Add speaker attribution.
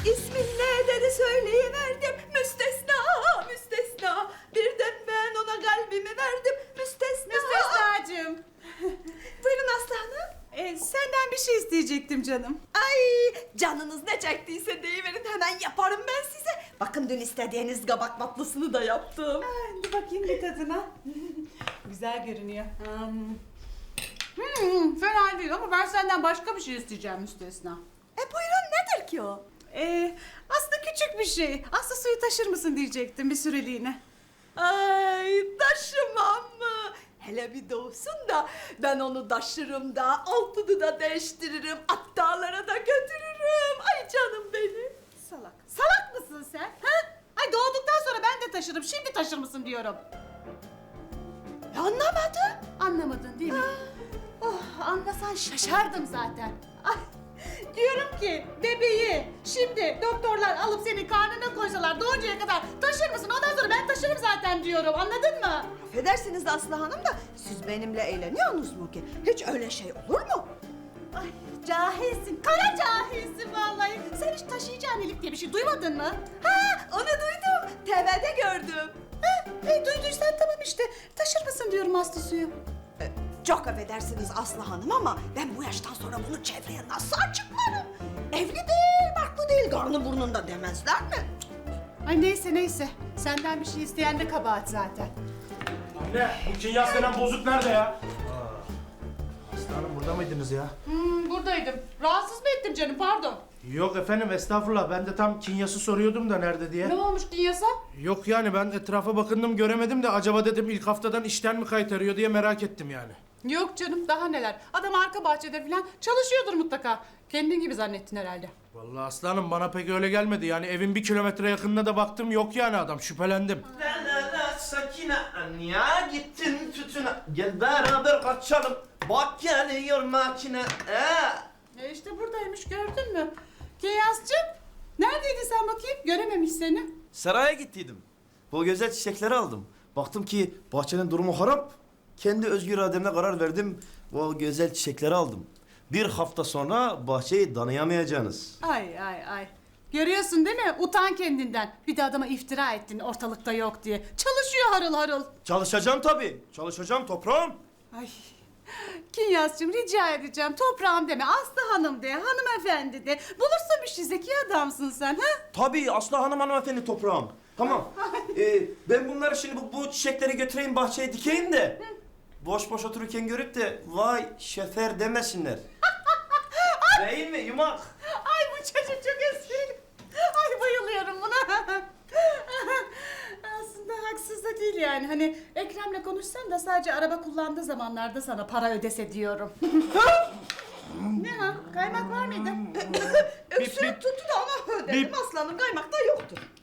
Speaker 1: İsmin ne dedi söyleyiverdim. Müstesna, müstesna. Birden ben ona kalbimi verdim. Müstesna.
Speaker 2: Müstesnacığım.
Speaker 1: Buyurun Aslı Hanım.
Speaker 2: Senden bir şey isteyecektim canım.
Speaker 1: Ay canınız ne çektiyse deyiverin hemen yaparım ben size. Bakın dün istediğiniz kabak tatlısını da yaptım.
Speaker 2: Hadi bakayım bir tadına. Güzel görünüyor. Fena değil ama ben senden başka bir şey isteyeceğim Müstesna.
Speaker 1: Buyurun nedir ki o?
Speaker 2: Aslında küçük bir şey. Aslı suyu taşır mısın diyecektim bir süreliğine.
Speaker 1: Ay taşımam mı? Hele bir doğsun da ben onu taşırım da altını da değiştiririm. Hattalara da götürürüm. Ay canım benim.
Speaker 2: Salak. Salak mısın sen? Ha? Ay doğduktan sonra ben de taşırım. Şimdi taşır mısın diyorum.
Speaker 1: Anlamadım.
Speaker 2: Anlamadın değil mi? Oh, anlasan şaşardım zaten. Ay, diyorum ki bebeği şimdi doktorlar alıp senin karnına koysalar doğuncaya kadar taşır mısın? Ondan sonra ben taşırım zaten diyorum. Anladın mı?
Speaker 1: Affedersiniz Aslı Hanım da siz benimle eğleniyorsunuz mu ki? Hiç öyle şey olur mu?
Speaker 2: Ay cahilsin. Kara cahilsin vallahi. Sen hiç taşıyıcı annelik diye bir şey duymadın mı?
Speaker 1: Ha onu duydum. TV'de gördüm.
Speaker 2: Duyduysan tamam işte. Taşır mısın diyorum Aslı suyu.
Speaker 1: Çok affedersiniz Aslı Hanım ama ben bu yaştan sonra bunu çevreye nasıl açıklarım? Evli değil, barklı değil, karnı burnunda demezler mi?
Speaker 2: Ay neyse. Senden bir şey isteyen de kabahat zaten.
Speaker 3: Anne, bu kinyas denen bozuk nerede ya? Aslanım burada mıydınız ya?
Speaker 2: Buradaydım. Rahatsız mı ettim canım pardon.
Speaker 3: Yok efendim estağfurullah. Ben de tam kinyası soruyordum da nerede diye.
Speaker 2: Ne olmuş Kinyas'a?
Speaker 3: Yok yani ben etrafa bakındım göremedim de acaba dedim ilk haftadan işten mi kaytarıyor diye merak ettim yani.
Speaker 2: Yok canım daha neler. Adam arka bahçede falan çalışıyordur mutlaka. Kendin gibi zannettin herhalde.
Speaker 3: Vallahi aslanım bana pek öyle gelmedi. Yani evin 1 kilometre yakınına da baktım yok yani adam şüphelendim.
Speaker 4: La sakine ya gittin tütüne. Gel beraber kaçalım. Bak geliyor makine.
Speaker 2: İşte buradaymış gördün mü? Kinyas'cığım neredeydin sen bakayım? Görememiş seni.
Speaker 4: Saraya gittiydim. Bu güzel çiçekleri aldım. Baktım ki bahçenin durumu harap. Kendi özgür irademle karar verdim. Bu güzel çiçekleri aldım. Bir hafta sonra bahçeyi tanıyamayacaksınız.
Speaker 2: Ay. Görüyorsun değil mi? Utan kendinden. Bir de adama iftira ettin ortalıkta yok diye. Çalışıyor harıl harıl.
Speaker 4: Çalışacağım tabii. Çalışacağım toprağım.
Speaker 2: Ay. Kinyas'cığım rica edeceğim. Toprağım deme. Aslı Hanım de. Hanımefendi de. Bulursun bir şey. Zeki adamsın sen. Ha?
Speaker 4: Tabii Aslı Hanım hanımefendi toprağım. Tamam. Ben bunları şimdi bu çiçekleri götüreyim bahçeye dikeyim de. Boş boş otururken görüp de vay şefer demesinler. Değil mi yumak?
Speaker 2: Ay bu çocuk çok esprili. Ay bayılıyorum buna. Aslında haksız da değil yani. Hani Ekrem'le konuşsan da sadece araba kullandığı zamanlarda sana para ödese diyorum. Ne ha? Kaymak var mıydı?
Speaker 1: Öksürük tuttu da ona ödedim. Aslanın kaymakta yoktu.